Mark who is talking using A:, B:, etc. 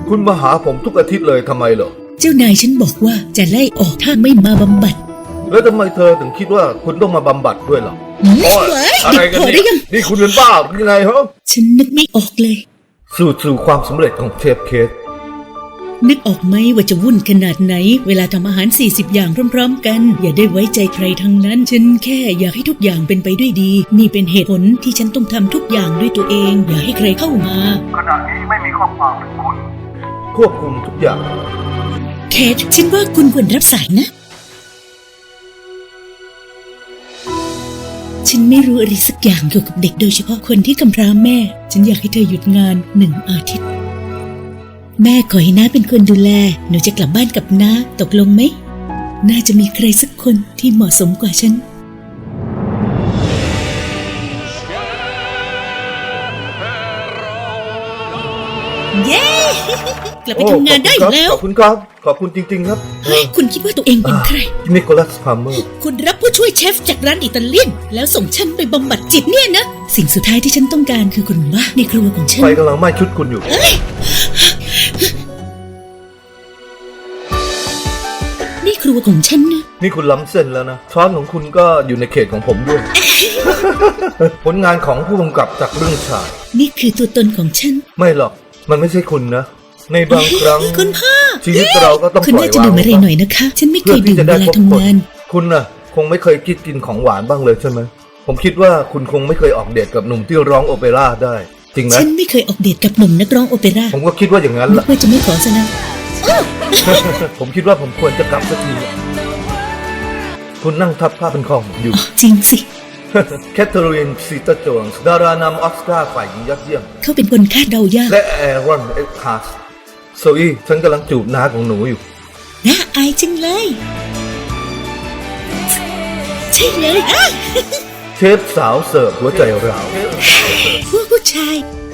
A: คุณมาหาผมทุกอาทิตย์เลยทำไมเหรอ
B: เจ้านายฉันบอกว่าจะไล่ออกถ้าไม่มาบำบัด
A: แล้วทำไมเธอถึงคิดว่าคุณต้องมาบำบัดด้วยล่ะอะไรกันนี่คุณเป็นบ้าหรือไงฮะ
B: ฉันนึกไม่ออกเลย
A: สู่ความสำเร็จของเชฟเคส
B: นึกออกไหมว่าจะวุ่นขนาดไหนเวลาทำอาหาร40อย่างพร้อมๆกันอย่าได้ไว้ใจใครทั้งนั้นฉันแค่อยากให้ทุกอย่างเป็นไปด้วยดีนี่เป็นเหตุผลที่ฉันต้องทำทุกอย่างด้วยตัวเองอย่าให้ใครเข้ามา
A: ขณะนี้ไม่มีข้อความถึงคุณควบคุมทุกอย่าง
B: เคทฉันว่าคุณควรรับสายนะฉันไม่รู้อะไรสักอย่างเกี่ยวกับเด็กโดยเฉพาะคนที่กำพร้าแม่ฉันอยากให้เธอหยุดงาน1 อาทิตย์แม่ขอให้น้าเป็นคนดูแลหนูจะกลับบ้านกับน้าตกลงไหมน่าจะมีใครสักคนที่เหมาะสมกว่าฉันเย้กลับไปทำงานได้แล้ว
A: ขอบคุณครับขอบคุณจริงๆครับ
B: คุณคิดว่าตัวเองเป็นใคร
A: นิโคลัสพาล์เมอร์
B: คุณรับผู้ช่วยเชฟจากร้านอิตาเลียนแล้วส่งฉันไปบำบัดจิตเนี่ยนะสิ่งสุดท้ายที่ฉันต้องการคือคุณว่าในครัวของฉัน
A: ไฟกำลังไหม้ชุดคุณอยู่
B: นี่ครัวของฉันนะ
A: นี่คุณล้ำเส้นแล้วนะช้อนของคุณก็อยู่ในเขตของผมด้วย ผลงานของผู้กำกับจากเรื่องชาย
B: นี่คือตัวตนของฉัน
A: ไม่หรอกมันไม่ใช่คุณนะในบางครั้ง
B: คุณพ่อ
A: ชีวิตเราก็ต้องปล่อยวาง
B: คุณน่าจะดื่มอะไรหน่อยนะคะฉันไม่เคยดื่มเวลาทำงาน
A: คุณน่ะคงไม่เคยคิดกินของหวานบ้างเลยใช่ไหมผมคิดว่าคุณคงไม่เคยออกเดทกับหนุ่มที่ร้องโอเปร่าได้จริงไหม
B: ฉันไม่เคยออกเดทกับหนุ่มนักร้องโอเปร่า
A: ผมก็คิดว่าอย่างนั้นแหละ
B: เพื่อจะไม่ขอซะนะ
A: ผมคิดว่าผมควรจะกลับสักทีคุณนั่งทับผ้าเป็นของอยู่
B: จริงสิ
A: แคทเธอรีนซีเตอร์โจนส์ดารานำออสการ์ฝ่ายหญิงยอดเยี่ยม
B: เขาเป็นคนคาดเดายาก
A: และแอรอนเอ็กฮาร์สโซอี้ฉันกำลังจูบน้าของหนูอยู่
B: น่าอายจังเลยใช่เลย
A: เชฟสาวเสิร์ฟหัวใจร้าว
B: ผู้ชาย